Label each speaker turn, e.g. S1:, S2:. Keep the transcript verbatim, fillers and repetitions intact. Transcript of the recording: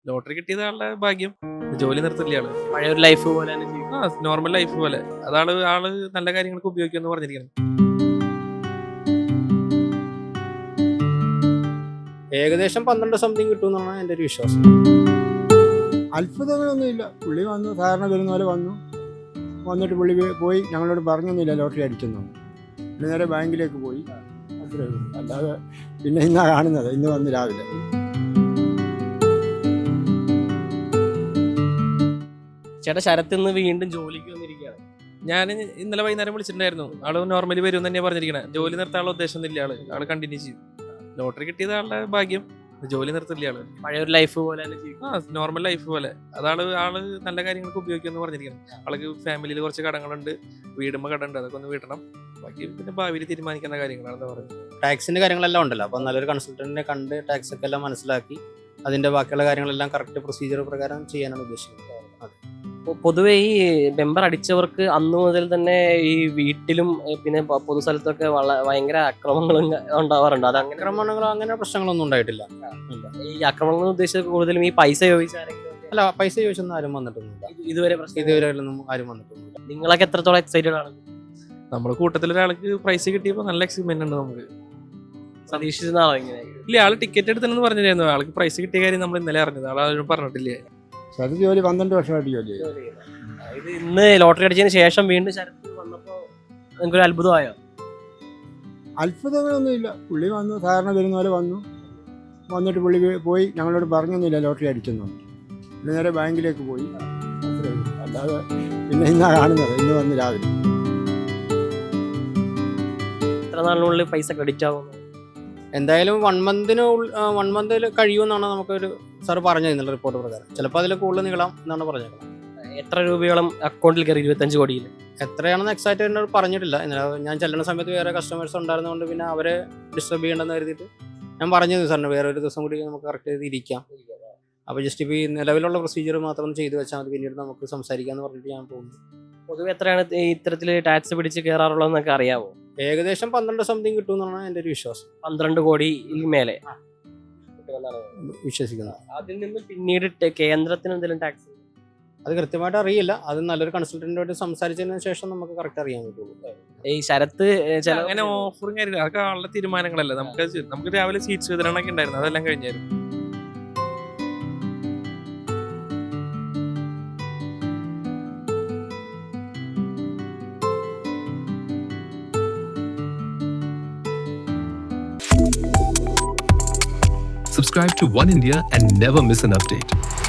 S1: Lottery കിട്ടിയത് ആളുടെ ഭാഗ്യം. ജോലി നിർത്തില്ല ആള്.
S2: പഴയ ഒരു ലൈഫ് പോലെ തന്നെ ജീവിക്കും.
S1: ആ നോർമൽ ലൈഫ് പോലെ. അതാള് ആള് നല്ല കാര്യങ്ങൾക്ക് ഉപയോഗിക്കുമെന്ന് പറഞ്ഞിരിക്കണം.
S3: ഏകദേശം പന്ത്രണ്ട് സംതിങ് കിട്ടുമെന്നാണ് എൻ്റെ ഒരു വിശ്വാസം.
S4: അത്ഭുതങ്ങളൊന്നുമില്ല. പുള്ളി വന്നു, സാധാരണ വരുന്ന പോലെ വന്നു. വന്നിട്ട് പുള്ളി പോയി- പോയി ഞങ്ങളോട് പറഞ്ഞൊന്നുമില്ല ലോട്ടറി അടിക്കുന്നു. പിന്നെ നേരെ ബാങ്കിലേക്ക് പോയി. അത്രേ ഉള്ളൂ. അല്ലാതെ പിന്നെ ഇന്നാ കാണുന്നത്, ഇന്ന് വന്ന് രാവിലെ.
S2: ചേട്ടാ ശരത്ത് ഇന്ന് വീണ്ടും ജോലിക്ക് വന്നിരിക്കുകയാണ്.
S1: ഞാൻ ഇന്നലെ വൈകുന്നേരം വിളിച്ചിട്ടുണ്ടായിരുന്നു. ആള് നോർമലി വരും തന്നെയാണ് പറഞ്ഞിരിക്കണേ. ജോലി നിർത്താനുള്ള ഉദ്ദേശം ഇല്ല ആള്. ആള് കണ്ടിന്യൂ ചെയ്യും. ലോട്ടറി കിട്ടിയത് ആളുടെ ഭാഗ്യം. ജോലി നിർത്തില്ല ആള്.
S2: പഴയ ഒരു ലൈഫ് പോലെ തന്നെ ജീവിക്കും.
S1: ആ നോർമൽ ലൈഫ് പോലെ. അതാള് ആള് നല്ല കാര്യങ്ങൾക്ക് ഉപയോഗിക്കുമെന്ന് പറഞ്ഞിരിക്കണം. ആൾക്ക് ഫാമിലിയിൽ കുറച്ച് കടങ്ങളുണ്ട്, വീടുമ്പോ കടമുണ്ട്, അതൊക്കെ ഒന്ന് വീട്ടണം. ബാക്കി പിന്നെ ഭാവിയിൽ തീരുമാനിക്കുന്ന കാര്യങ്ങളാണെന്ന് പറയുന്നത്.
S3: ടാക്സിൻ്റെ കാര്യങ്ങളെല്ലാം ഉണ്ടല്ലോ, അപ്പോൾ നല്ലൊരു കൺസൾട്ടൻറ്റിനെ കണ്ട് ടാക്സ് ഒക്കെ എല്ലാം മനസ്സിലാക്കി അതിൻ്റെ ബാക്കിയുള്ള കാര്യങ്ങളെല്ലാം കറക്റ്റ് പ്രൊസീജിയർ പ്രകാരം ചെയ്യാനാണ് ഉദ്ദേശിക്കുന്നത്. അതെ.
S2: പൊ- പൊതുവെ ഈ ബെമ്പർ അടിച്ചവർക്ക് അന്നു മുതൽ തന്നെ ഈ വീട്ടിലും ഏ, പിന്നെ പ- പൊതുസ്ഥലത്തൊക്കെ വള ഭയങ്കര അക്രമങ്ങളും ഉണ്ടാവാറുണ്ട്. അത് അങ്ങനെ
S3: ആക്രമണങ്ങളോ അങ്ങനെ പ്രശ്നങ്ങളൊന്നും ഉണ്ടായിട്ടില്ല. ഇല്ല.
S2: ഈ ആക്രമണങ്ങൾ ഉദ്ദേശിച്ചത് കൂടുതലും ഈ പൈസ ചോദിച്ച ആരെങ്കിലും ഒക്കെ
S3: അല്ല, പൈസ ചോദിച്ചൊന്നും ആരും വന്നിട്ടൊന്നുമില്ല.
S2: ഇത് ഇതുവരെ പ്രശ്നം
S3: ഇതുവരെ ഒന്നും ആരും വന്നിട്ടൊന്നുമില്ല.
S2: നിങ്ങളൊക്കെ എത്രത്തോളം എക്സൈറ്റഡ് ആണ്?
S1: നമ്മുടെ കൂട്ടത്തിൽ ഒരാൾക്ക് പ്രൈസ് കിട്ടിയപ്പോൾ നല്ല എക്സൈറ്റ്മെന്റ് ഉണ്ട് നമുക്ക്.
S2: പ്രതീക്ഷിച്ചതാണോ ഇങ്ങനെ?
S1: ഇല്ല, ആള് ടിക്കറ്റ് എടുത്തെന്ന് പറഞ്ഞിരുന്നു. ആൾക്ക് പ്രൈസ് കിട്ടിയ കാര്യം നമ്മൾ ഇന്നലെ അറിഞ്ഞത്. ആളാരും പറഞ്ഞിട്ടില്ലേ.
S4: ശരത് ജോലി പന്ത്രണ്ട് വർഷമായിട്ട് ജോലി ചെയ്തു.
S2: ആ, ഇത് ഇന്ന് ലോട്ടറി അടിച്ചതിന് ശേഷം വീണ്ടും ശരത്ത് വന്നപ്പോ നിങ്ങൾക്കൊരു അത്ഭുതമായോ?
S4: അത്ഭുതങ്ങളൊന്നുമില്ല. പുള്ളി വന്നു, സാധാരണ വരുന്ന പോലെ വന്നു. വന്നിട്ട് പുള്ളി പോയി ഞങ്ങളോട് പറഞ്ഞൊന്നുമില്ല ലോട്ടറി അടിക്കുന്നു. പിന്നെ നേരെ ബാങ്കിലേക്ക് പോയി. അത്രേ ഉള്ളൂ. അല്ലാതെ പിന്നെ ഇന്നാ കാണുന്നത്, ഇന്ന് വന്ന് രാവിലെ.
S2: എത്ര നാളിനുള്ളിൽ പൈസ ക്രെഡിറ്റ് ആവുന്നു?
S3: എന്തായാലും വൺ മന്തിന് വൺ മന്തിൽ കഴിയുമെന്നാണ് നമുക്കൊരു സാർ പറഞ്ഞത് എന്നുള്ള റിപ്പോർട്ട് പ്രകാരം. ചിലപ്പോൾ അതിൽ കൂടുതൽ നീളാം എന്നാണ് പറഞ്ഞേക്കുന്നത്.
S2: എത്ര രൂപയോളം അക്കൗണ്ടിൽ കയറി? ഇരുപത്തഞ്ച് കോടിയിൽ.
S3: എത്രയാണെന്ന് എക്സാക്റ്റ് എന്നോട് പറഞ്ഞിട്ടില്ല. ഇന്നലെ ഞാൻ ചെല്ലുന്ന സമയത്ത് വേറെ കസ്റ്റമേഴ്സ് ഉണ്ടായിരുന്നതുകൊണ്ട് പിന്നെ അവരെ ഡിസ്റ്റർബ് ചെയ്യണമെന്ന് കരുതിയിട്ട് ഞാൻ പറഞ്ഞത് സാറിന് വേറെ ഒരു ദിവസം കൂടി നമുക്ക് കറക്റ്റ് ചെയ്ത് ഇരിക്കാം. അപ്പോൾ ജസ്റ്റ് ഇപ്പോൾ ഈ നിലവിലുള്ള പ്രൊസീജിയർ മാത്രം ചെയ്ത് വെച്ചാൽ മതി, പിന്നീട് നമുക്ക് സംസാരിക്കാമെന്ന് പറഞ്ഞിട്ട് ഞാൻ പോകുന്നു.
S2: പൊതുവെ എത്രയാണ് ഈ ഇത്തരത്തിൽ ടാക്സ് പിടിച്ച് കയറാറുള്ളതെന്നൊക്കെ അറിയാവോ?
S3: ഏകദേശം പന്ത്രണ്ട് സംതിങ് കിട്ടുമെന്നാണ് എൻ്റെ ഒരു വിശ്വാസം.
S2: പന്ത്രണ്ട് കോടിയിൽ മേലെ
S3: വിശ്വസിക്കുന്നത്.
S2: അതിൽ നിന്ന് പിന്നീട് ടെ- കേന്ദ്രത്തിന് എന്തെങ്കിലും ടാക്സ്?
S3: അത് കൃത്യമായിട്ട് അറിയില്ല. അത് നല്ലൊരു കൺസൾട്ടൻറ്റുമായിട്ട് സംസാരിച്ചതിന് ശേഷം നമുക്ക് കറക്റ്റ് അറിയാൻ പറ്റുള്ളൂ.
S2: ഈ ശരത്ത് ഏ, ചില
S1: അങ്ങനെ ഓഫറും കാര്യമില്ല. അതൊക്കെ ആളുടെ തീരുമാനങ്ങളല്ല. നമുക്ക് അത് നമുക്ക് രാവിലെ സീറ്റ്സ് വിതരണമൊക്കെ ഉണ്ടായിരുന്നു. അതെല്ലാം കഴിഞ്ഞായിരുന്നു.
S5: Subscribe to One India and never miss an update.